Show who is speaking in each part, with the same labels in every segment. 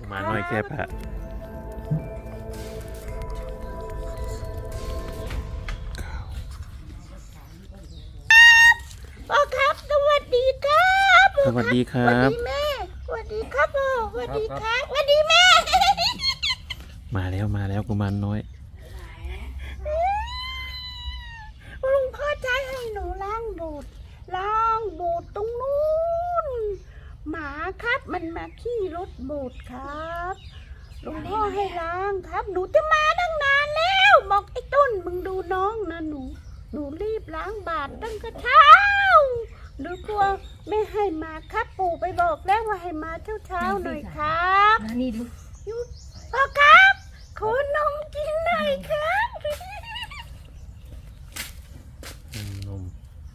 Speaker 1: มาหน่อยแค่พระ
Speaker 2: พ่อครับสวัสดีครับ
Speaker 1: สวัสดีครั
Speaker 2: สวั
Speaker 1: บ
Speaker 2: สดีแม่สวัสดีครับพ่อสวัสดีครับสวัสดีแม่
Speaker 1: มาแล้วกุมารน้อย
Speaker 2: ลุงพ่อใจให้หนูล้างบูดตรงนู้นหมาครับมันมาขี้รถบูดครับลุงพ่อให้ล้างครับหนูจะมาตั้งนานแล้วบอกไอ้ต้นมึงดูน้องนะหนูรีบล้างบาทตั้งแต่เช้าหนูกลัวไม่ให้มาครับปู่ไปบอกแล้วว่าให้มาเช้าหน่อยครับ
Speaker 3: นี่ดู
Speaker 2: พ่อครับขอนมกินหน่อยครับ
Speaker 1: นม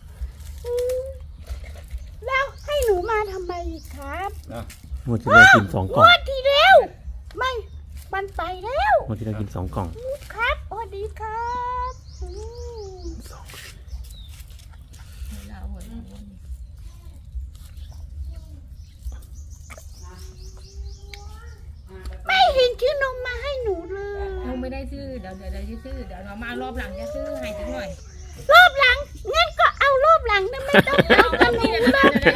Speaker 2: แล้วให้หนูมาทำไมอีกครับ
Speaker 1: หมดที่เรากิน2 กล่อง
Speaker 2: งวดที่แล้วไม่มันไปแล้ว
Speaker 1: หมดที่เรากิน2 กล่อง
Speaker 2: ครับสวัสดีครับไม่เห็นชื่อนมมาให้หนูเลย
Speaker 3: เราไม่ได้ซื้อเดี๋ยวจะซื้อเดี๋ยวเรามารอบหลังจะซื้อให้สักหน่อย
Speaker 2: รอบหลังงั้นก็เอารอบหลังนะไม่ต้องเอากระหนูรอบแรก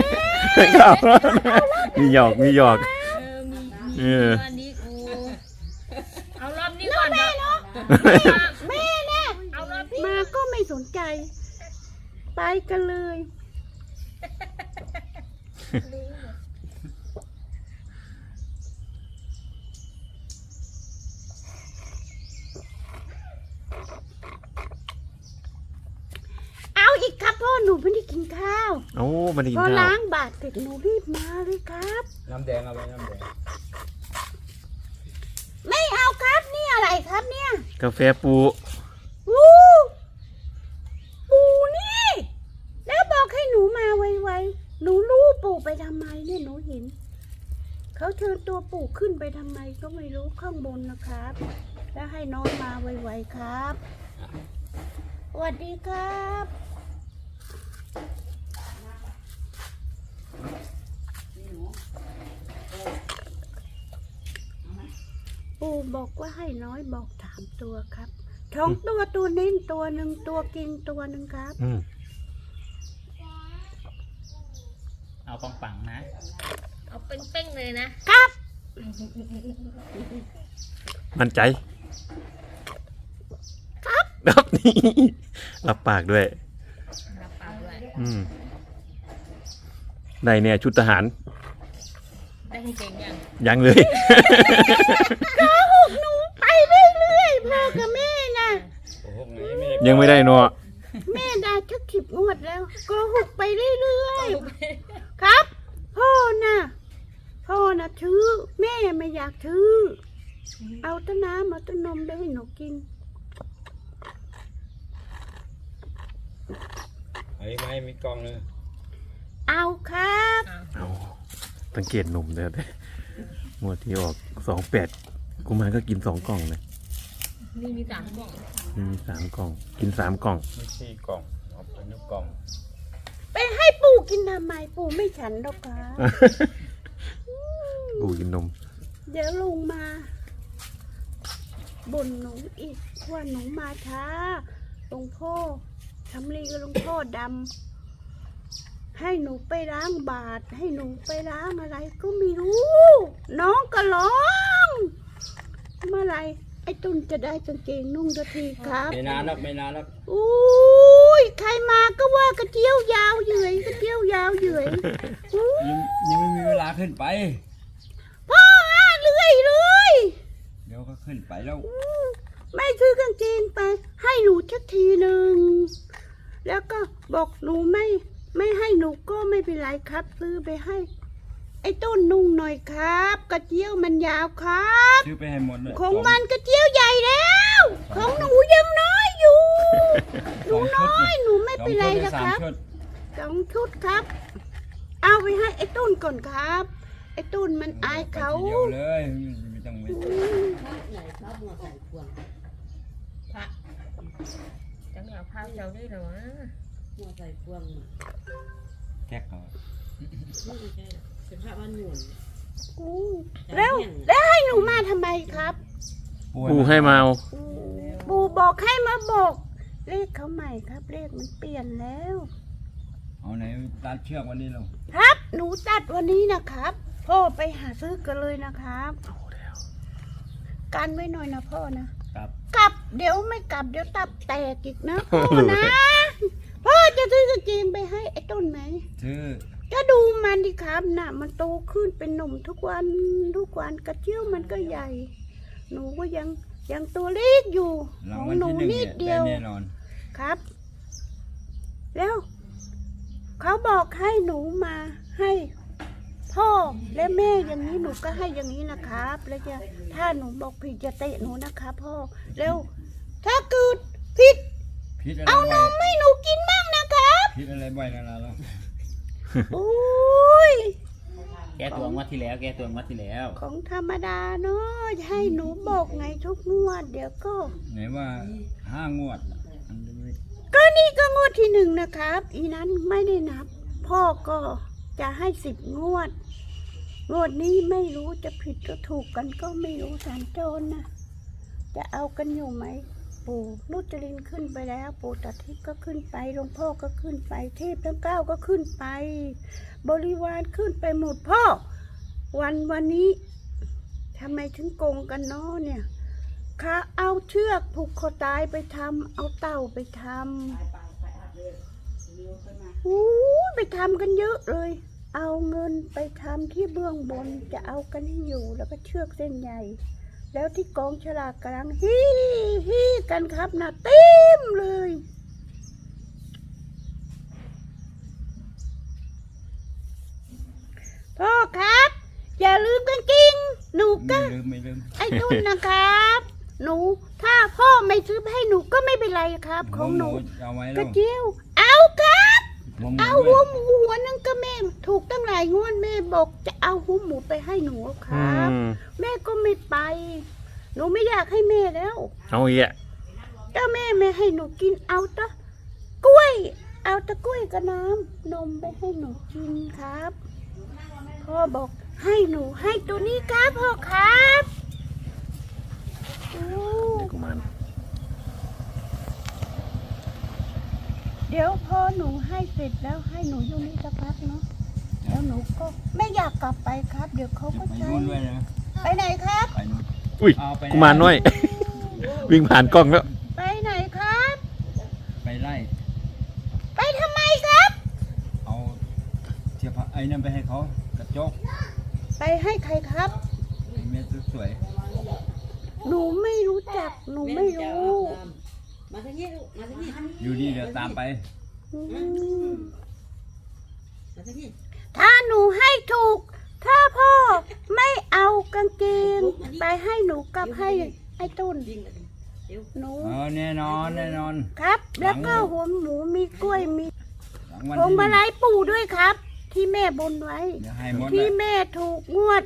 Speaker 1: มีหยอก
Speaker 3: มี
Speaker 1: เออ
Speaker 3: อันนี้กูเอารอบนี้ก่อนเนาะ
Speaker 2: แม่เนี่ย
Speaker 3: เอารอบนี้
Speaker 2: มาก็ไม่สนใจ ไปกันเลย เอาอีกครับพ่อหนูไม่ได้กินข้าว
Speaker 1: โอ้ไมันได้กิ
Speaker 2: พ
Speaker 1: น
Speaker 2: อ
Speaker 1: ข้าว
Speaker 2: ล้างบาทเสร็จหนูรีบมาเลยครับ
Speaker 4: น้ำแดงเอาไว้น้ำแดง
Speaker 2: ไม่เอาครับนี่อะไรครับเนี่ย
Speaker 1: กาแฟปู
Speaker 2: ปูปูนี่ แล้วบอกให้หนูมาไวๆหนูรู้ปู่ไปทำไมเนี่ยหนูเห็นเขาเชิญตัวปู่ขึ้นไปทำไมก็ไม่รู้ข้างบนนะครับ แล้วให้น้องมาไวๆครับสวัสดีครับปู่บอกว่าให้น้อยบอก3 ตัวครับ2 ตัวเน้นตัวหนึ่งตัวกินตัวหนึ่งครับ
Speaker 4: เอาปังๆนะ
Speaker 3: เอาเป้งๆเลยนะครับ
Speaker 1: มั่นใจ
Speaker 2: ครับ
Speaker 1: ครับนี่รับปากด้วย
Speaker 3: รับปากด้วย
Speaker 1: ได้เนี่ยชุดทหาร
Speaker 3: ได้ให้เก่งยัง
Speaker 1: ยังเลย
Speaker 2: หนูไปเรื่อยๆพ่อกับแม่นะ
Speaker 4: โอ้โหไม่ได้
Speaker 1: ยังไม่ได้เนาะ
Speaker 2: แม่ได้ชัก10 งวดแล้วโก็หกไปเรื่อยๆครับ พ่อนะถือแม่ไม่อยากถือเอาแต้นน้ำเอาแต้นนมได้ให้หนูกิน
Speaker 4: ไอ้ไม้มีกล่องเลย
Speaker 2: เอาครับ
Speaker 1: เอาสังเกตนมเลยหมดที่ออก28กุมารก็กิน2 กล่องเลย
Speaker 3: นี่มี3 กล่อง
Speaker 1: มี3 กล่อง กิน3 กล่อง
Speaker 4: มี4 กล่องเอาไป1 กล่อง
Speaker 2: ไปให้ปู่กินทำไมปู่ไม่ฉันหรอกครับ
Speaker 1: ปูกินนม
Speaker 2: เดี๋ยวลุงมาบ่นหนูอีกว่าหนูมาช้าหลวงพ่อทำรีกับหลวงพ่อดำให้หนูไปล้างบาตรให้หนูไปล้างอะไรก็ไม่รู้ น้องก็ร้องเมื่อไหรไอ้ตุ้นจะได้กางเกงนุ่งสักทีครับ
Speaker 4: ไม่นานหรอก
Speaker 2: อุ้ยใครมาก็ว่ากระเจียวยาวเหยื่อยกระเจียวยาวเหยื่อยอู้
Speaker 4: ยังไม่มีเวลาขึ้นไป
Speaker 2: พ่อเรื่อย
Speaker 4: เดี๋ยวก็ขึ้นไปแล้ว
Speaker 2: ไม่ซื้อกางเกงไป ให้หนูสักทีหนึ่งแล้วก็บอกหนูไม่ให้หนูก็ไม่เป็นไรครับ ซื้อไปให้ ไอ้ต้นนุ่งหน่อยครับ กระเจียวมันยาวครับ
Speaker 4: ซื้อไปให้หมดเลย
Speaker 2: ของมันกระเจียวใหญ่แล้ว ของหนูยังน้อยอยู่ หนูน้อยหนูไม่เป็นไรนะครับ 2 ชุดครับ เอาไปให้ไอ้ต้นก่อนครับ ไอ้ต้นมันอายเขา
Speaker 4: เดียวเลยไม่ต้องไป
Speaker 3: พระจังเอาผ้าเจ้าได้หรอ
Speaker 4: แก๊กเขา
Speaker 5: ไม่ใช่เป็นพระบ้านหนุน
Speaker 2: อู้แล้วให้หนูมาทำไมครับ
Speaker 1: ปู่ให้มาเอา
Speaker 2: ปู่บอกให้มาบอกเลขเขาใหม่ครับ เลขมันเปลี่ยนแล้ว
Speaker 4: เอาไหนตัดเชือกวันนี้เรา
Speaker 2: ครับ หนูตัดวันนี้นะครับ พ่อไปหาซื้อกันเลยนะครับ
Speaker 1: เอาแล้ว
Speaker 2: กันไว้หน่อยนะพ่อนะครับ กลับเดี๋ยวไม่กลับเดี๋ยวตับแตกอีกนะพ่อนะ พ่อจะซื้อกางเกงไปให้ไอ้ต้นไหม
Speaker 4: ชื่อ
Speaker 2: ก็ดูมันดิครับน่ะ มันโตขึ้นเป็นหนุ่มทุกวันกระเจียวมันก็ใหญ่ หนูก็ยังตัวเล็กอยู่
Speaker 4: รา
Speaker 2: ข
Speaker 4: ง
Speaker 2: อง
Speaker 4: วัล
Speaker 2: หนู
Speaker 4: ที่หนึ่ง
Speaker 2: นิ
Speaker 4: เนี่
Speaker 2: ด
Speaker 4: ย
Speaker 2: เดียว
Speaker 4: ได้แน่นอน
Speaker 2: ครับ แล้วเขาบอกให้หนูมาให้พ่อและแม่อย่างนี้หนูก็ให้อย่างนี้นะครับ แล้วจะถ้าหนูบอกผิดจะเตะหนูนะครับพ่อแล้วถ้าเกิดผิด
Speaker 4: พิษอะไร
Speaker 2: เอาน
Speaker 4: บ่อย
Speaker 2: มให้หนูกินบ้างนะครับ
Speaker 4: พิษอะไรบ่อยแล้วเรา
Speaker 2: โอ้ย
Speaker 5: แก้ตัวงวดที่แล้ว แก้ตัวงวดที่แล้ว
Speaker 2: ของธรรมดาเนาะให้หนูบอกไงทุกงวดเดี๋ยวก็
Speaker 4: ไหนว่า5 งวดอันนี้
Speaker 2: ก็นี่ก็งวดที่หนึ่งนะครับ อีนั้นไม่ได้นับ พ่อก็จะให้10 งวด งวดนี้ไม่รู้จะผิดก็ถูกกันก็ไม่รู้สัญจรนะจะเอากันอยู่ไหม ปู่นุจรินขึ้นไปแล้ว ปู่ตาทิพย์ก็ขึ้นไปหลวงพ่อก็ขึ้นไปเทพทั้ง9ก็ขึ้นไป บริวารขึ้นไปหมดพ่อ วันนี้ทำไมถึงโกงกันเนาะเนี่ยข้าเอาเชือกผูกคอตายไปทำเอาเต่าไปทำไปทำกันเยอะเลย เอาเงินไปทำที่เบื้องบนจะเอากันให้อยู่แล้วก็เชือกเส้นใหญ่ แล้วที่กองฉลากกำลังฮีกันครับนะเต็มเลย พ่อครับ อย่าลืมกางเกงหนูก็
Speaker 4: ไม่ลืม
Speaker 2: ไอ้นุ่นนะครับ หนูถ้าพ่อไม่ซื้อให้หนูก็ไม่เป็นไรครับ ของหนู
Speaker 4: เอาไว้
Speaker 2: ก
Speaker 4: แล้
Speaker 2: ระ
Speaker 4: ว
Speaker 2: เจียว เอาครับ
Speaker 4: หัวหมู
Speaker 2: เอา
Speaker 4: ด้
Speaker 2: หั
Speaker 4: ว
Speaker 2: วย หมูหัวนึงก็แม่ถูกตั้งหลายงวดแม่บอกจะเอาหัวหมูไปให้หนูค
Speaker 1: อื
Speaker 2: รับ
Speaker 1: ม
Speaker 2: แม่ก็ไม่ไป หนูไม่อยากให้แม่แล้ว
Speaker 1: เอาอีกอ่ะ
Speaker 2: ถ้าแม่ไม่ให้หนูกินเอาตะกล้วย เอาตะกล้วยกับน้ำนมไปให้หนูกินครับพ่อบอกให้หนูให้ตัวนี้ครับพ่อครับโอ้
Speaker 1: เด็กกุมาร
Speaker 2: เดี๋ยวพอหนูให้เสร็จแล้วให้หนูอยู่นี่สักพักเนาะแล้วหนูก็ไม่อยากกลับไปครับ เดี๋ยวเขาก็
Speaker 4: ไป
Speaker 2: ใช้
Speaker 4: นู่นด้วยนะ
Speaker 2: ไปไหนครับ
Speaker 4: ไปนู่น
Speaker 1: อุ้ย
Speaker 4: เอาไป
Speaker 1: กุมารน้อย วิ่งผ่านกล้องแล้ว
Speaker 2: ไปไหนครับ
Speaker 4: ไปไล่
Speaker 2: ไปทำไมครับ
Speaker 4: เอาเทียบไอ้นั่นไปให้เขากระจก
Speaker 2: ไปให้ใครครับ
Speaker 4: ไอ้เม็ดสวย
Speaker 2: หนูไม่รู้จักหนูไม่รู้
Speaker 3: มาทางนี้ลูกมาทางนี้
Speaker 4: ๆอยู่นี่เดี๋ยวตามไป
Speaker 2: อืม
Speaker 3: มาทางนี้
Speaker 2: ถ้าหนูให้ถูก ถ้าพ่อไม่เอากางเกงไปให้หนูกับให้ไอ้ต้น
Speaker 3: ยิงเลยเดี๋ยว
Speaker 2: หนู
Speaker 4: แน่นอนแน่นอน
Speaker 2: ครับ แล้วก็หัวหมูมีกล้วยมี
Speaker 4: หลังวัน
Speaker 2: พวง
Speaker 4: ที่
Speaker 2: มาลัยปู่ด้วยครับ ที่แม่บนไว้
Speaker 4: เดี๋ยวให้หมด
Speaker 2: ที่
Speaker 4: อะ
Speaker 2: แม่ถูกงวด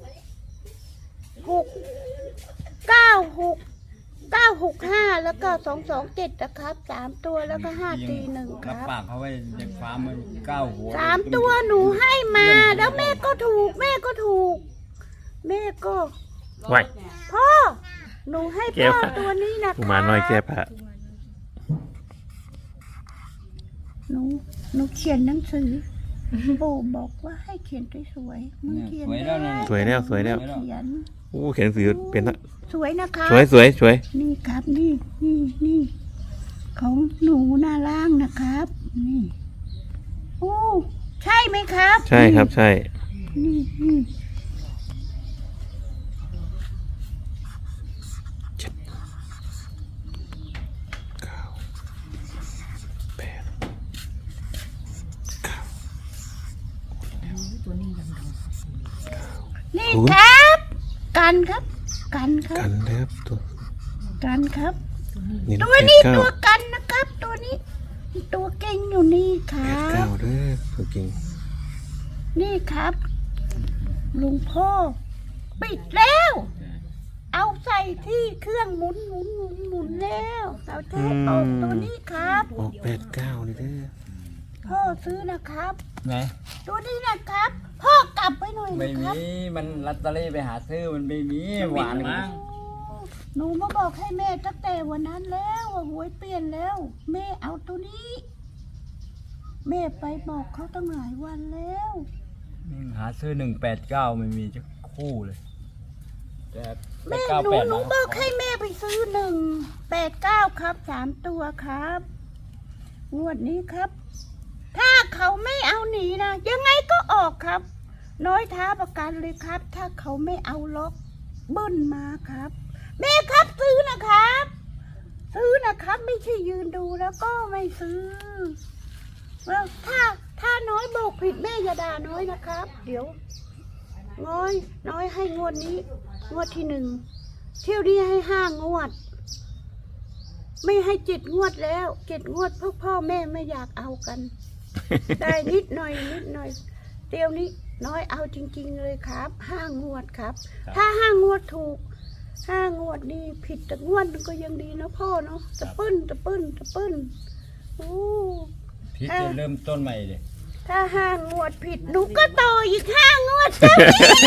Speaker 2: 965แล้วก็227นะครับ3ตัวแล้วก็541ค
Speaker 4: รับ
Speaker 2: รับ
Speaker 4: ปากเขาไว้เด็กฟาร์มมัน9 หัว
Speaker 2: 3ตัวหนูให้มา แล้วแม่ก็ถูก แม่ก็ถูก แม่ก็
Speaker 1: ไว้
Speaker 2: พ่อ หนูให้พ่อตัวนี้นะ
Speaker 1: กุมารน้อยแก้ผ้า
Speaker 2: หนูเขียนหนังสือปู่บอกว่าให้เขียนสวยๆมึง
Speaker 4: เนี่ย
Speaker 2: เขียน
Speaker 4: สวยแล้วนะ
Speaker 1: สวยแล้วสวยแล้ว
Speaker 2: เขียน
Speaker 1: โอ้เขียนหนังสือเป็นละ
Speaker 2: สวยนะคะ
Speaker 1: สวยสวยสวย
Speaker 2: นี่ครับนี่ของหนูหน้าล่างนะครับนี่โอ้ใช่ไหมครับ
Speaker 1: ใช่ครับใช่
Speaker 2: นี่
Speaker 3: ตัวนี้ยังดัง
Speaker 2: นี่ครับ กันครับ
Speaker 1: กันแล้วตัว
Speaker 2: กันครับ
Speaker 1: นี่
Speaker 2: ตัวนี้ตัวกันนะครับ ตัวนี้ ตัวเก่งอยู่นี่ค
Speaker 1: แป
Speaker 2: รั
Speaker 1: ดเก้า
Speaker 2: บ
Speaker 1: เด้อตัวจริง
Speaker 2: นี่ครับลุงพ่อปิดแล้ว เอาใส่ที่เครื่องหมุนแล้วเราจะให้ออกตัวนี้ครับ
Speaker 1: ออก89นี่เด้อ
Speaker 2: พ่อซื้อนะครับ
Speaker 4: ไง
Speaker 2: ตัวนี้นะครับ พ่อกลับไปหน่อย
Speaker 4: ไม่
Speaker 2: นะครับ
Speaker 4: มีมันลอตเตอรี่ไปหาซื้อมันไม่มีหวาน
Speaker 5: มั้ง
Speaker 2: หนูมาบอกให้แม่ตั้งแต่วันนั้นแล้วว่าหวยเปลี่ยนแล้ว แม่เอาตัวนี้ แม่ไปบอกเขาตั้งหลายวันแล้ว
Speaker 4: หาซื้อ189ไม่มีจะคู่เลยแต่
Speaker 2: แม่
Speaker 4: 898
Speaker 2: หนู
Speaker 4: นะ
Speaker 2: บอกให้แม่ไปซื้อ189ครับ3 ตัวครับงวดนี้ครับ ถ้าเขาไม่เอาหนีนะยังไงก็ออกครับ น้อยท้าประกันเลยครับ ถ้าเขาไม่เอาล็อกเบิ้ลมาครับ แม่ครับซื้อนะครับ ซื้อนะครับ ไม่ใช่ยืนดูแล้วก็ไม่ซื้อแล้วถ้าน้อยบอกผิดแม่อย่าด่าน้อยนะครับ เดี๋ยวน้อยให้งวดนี้ งวดที่1 เที่ยวนี้ให้5 งวด ไม่ให้7 งวดแล้ว7 งวดพ่อแม่ไม่อยากเอากัน ได้นิดหน่อยเดี๋ยวนี้น้อยเอาจริงๆเลยครับ5 งวดครับ ถ้า5 งวดถูก5 งวดนี่ผิดแต่งวดนึงก็ยังดีนะพ่อเนาะตะปึ้นโอ้
Speaker 4: พี่จะเริ่มต้นใหม่เลย
Speaker 2: ถ้า5 งวดผิดหนูก็ต่ออีก5 งวดจ้ะ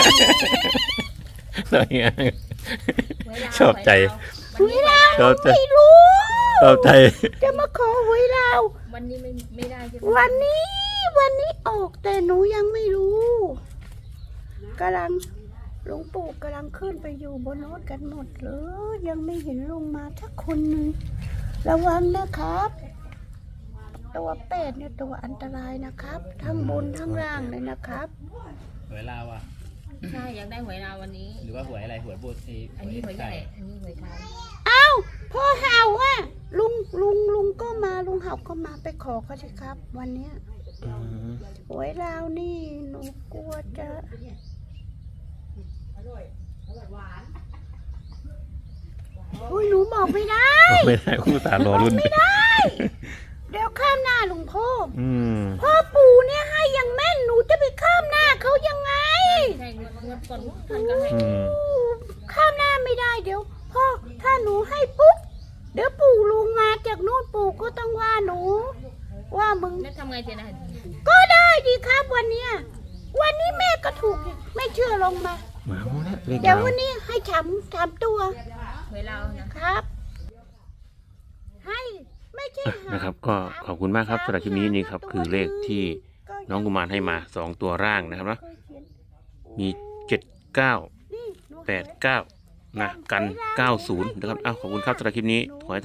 Speaker 1: อะไรเงี้ย ชอบใจ
Speaker 2: หวยลาว
Speaker 1: ชอบใจ
Speaker 2: ไม่รู้
Speaker 1: ชอบใจ
Speaker 2: จะมาขอหวยลาว
Speaker 3: วันนี้ไม่ได้ใช่ไหม
Speaker 2: วันนี้ออกแต่หนูยังไม่รู้กำลังหลวงปู่กำลังขึ้นไปอยู่บนรถกันหมดเลยยังไม่เห็นลงมาสักคนหนึ่งระวังนะครับ ตัวเป็ดเนี่ยตัวอันตรายนะครับ ทั้งบนทั้งล่างเลยนะครับ
Speaker 5: หวยลาวอ่ะ
Speaker 3: ใช่อยากได้หวยลาววันนี้
Speaker 5: หรือว่าหวยอะไรหวยโบสถ์
Speaker 3: อันนี้หวยใหญ่อันนี้หวยไทย
Speaker 2: เอ้าพ่อเห่าอ่ะลุงก็มาลุงเห่าก็มาไปขอเขาสิครับ วันเนี้ย
Speaker 1: อืม
Speaker 2: หวยลาวนี่หนูกลัวจะอุ้ยหนูบอกไม่ได้
Speaker 1: ไม่ได้คู่สารรอรุ่น
Speaker 2: ไม่ได้ เดี๋ยวข้ามหน้าหลวงพ่อ
Speaker 1: อืม
Speaker 2: พ่อปู่เนี่ยให้ยังแม่นหนูจะไปข้ามหน้าเขายังไง
Speaker 3: ใช่งวดก่อนท่านก็ให้
Speaker 1: อืม
Speaker 2: ข้ามหน้าไม่ได้เดี๋ยวพ่อถ้าหนูให้ปุ๊บเดี๋ยวปู่ลุงมาจากนู่นปู่ก็ต้องว่าหนู ว่ามึง
Speaker 3: แล้วทำไงเจนะ
Speaker 2: ก็ได้ดีครับวันเนี้ยวันนี้แม่ก็ถูกอีกไม่เชื่อลงมา
Speaker 1: มาแล้วเลข
Speaker 2: เดี๋ยว
Speaker 1: ดาว
Speaker 2: วันนี้ให้3 ตัว
Speaker 3: หวยลาวนะ
Speaker 2: ครับ ให้ไม่ใช่หา
Speaker 1: นะครับ ก็ขอบคุณมากครับสำหรับคลิปนี้นี่ครับ คือเลขที่น้องกุมารให้มา2 ตัวร่างนะครับเนาะมี79
Speaker 2: นี่หนู
Speaker 1: 89นะกัน90นะครับอ้าวขอบคุณครับสำหรับคลิปนี้ขอให้